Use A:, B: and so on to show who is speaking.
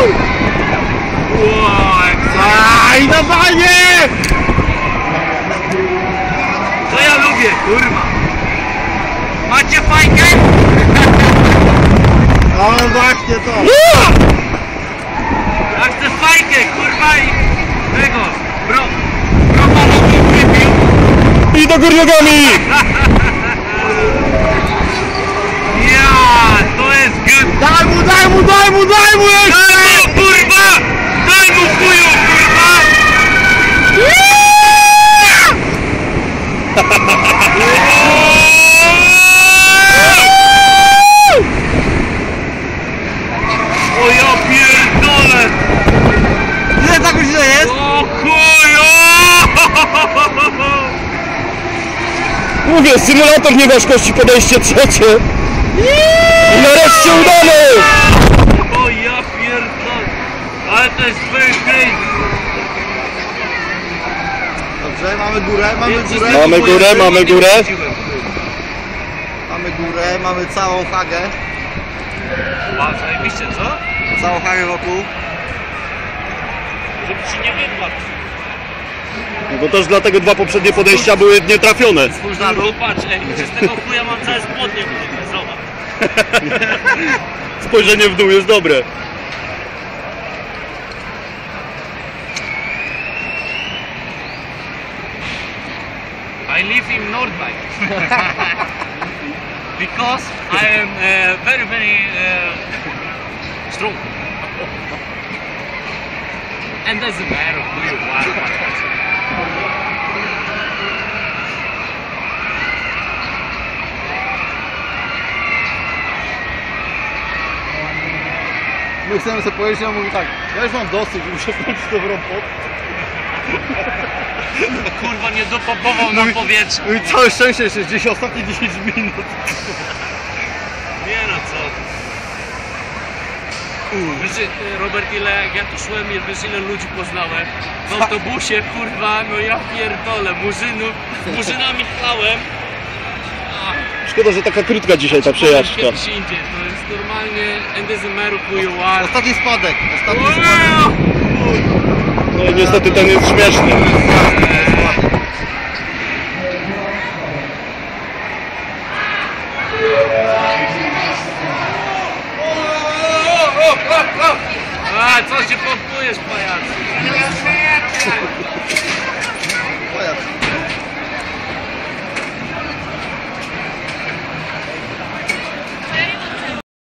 A: Aj, dawanie!
B: To ja lubię, kurwa. Macie fajkę?
A: No właśnie to.
B: Ja chcę fajkę, kurwa i tego. Bromalowi wypił.
A: I do góry nogami!
B: Ja, to jest good.
A: Daj mu, daj mu, daj mu, daj mu jeszcze!
B: Daj mu, kurwa! Daj mu chuju, kurwa! O ja pierdolę!
A: Ile tak źle jest?
B: O chuju!
A: Mówię, symulator nieważkości, podejście trzecie. I nareszcie udane!
B: O ja pierdolę! Ale to jest very crazy!
A: Dobrze, mamy górę, mamy
B: Jest
A: górę.
B: coś
A: Mamy
B: takiego,
A: górę,
B: ja
A: mamy
B: nie
A: górę.
B: wróciłem.
A: Mamy górę, mamy całą hagę.
B: A, zajebiście, co?
A: Całą hagę wokół.
B: Żeby ci nie wypadł.
A: No bo też dlatego dwa poprzednie podejścia były nietrafione.
B: Spójrz na dół, patrz, ej, z tego chuja mam całe spodnie, kurwa, zobacz.
A: Spojrzenie w dół jest dobre.
B: I live in Nordwijk. Because I am very, very strong. And doesn't matter who you are.
A: My chcemy sobie powiedzieć, on mówi tak, ja już mam dosyć, muszę skończyć dobrą pot.
B: Kurwa, nie dopopował na powietrze.
A: No i całe szczęście jeszcze gdzieś ostatnie 10 minut.
B: Nie no, co ty. Wiesz, Robert, ile jak ja tu szłem, wiesz ile ludzi poznałem w autobusie, kurwa, no ja pierdolę, murzynami chlałem.
A: Szkoda, że taka krótka dzisiaj ta przejażdżka.
B: Kiedyś indziej, to jest normalnie endezymeru who are.
A: Ostatni spadek, ostatni spadek. No i niestety ten jest śmieszny.
B: A, co się pompujesz, pajacu?
A: Pajac.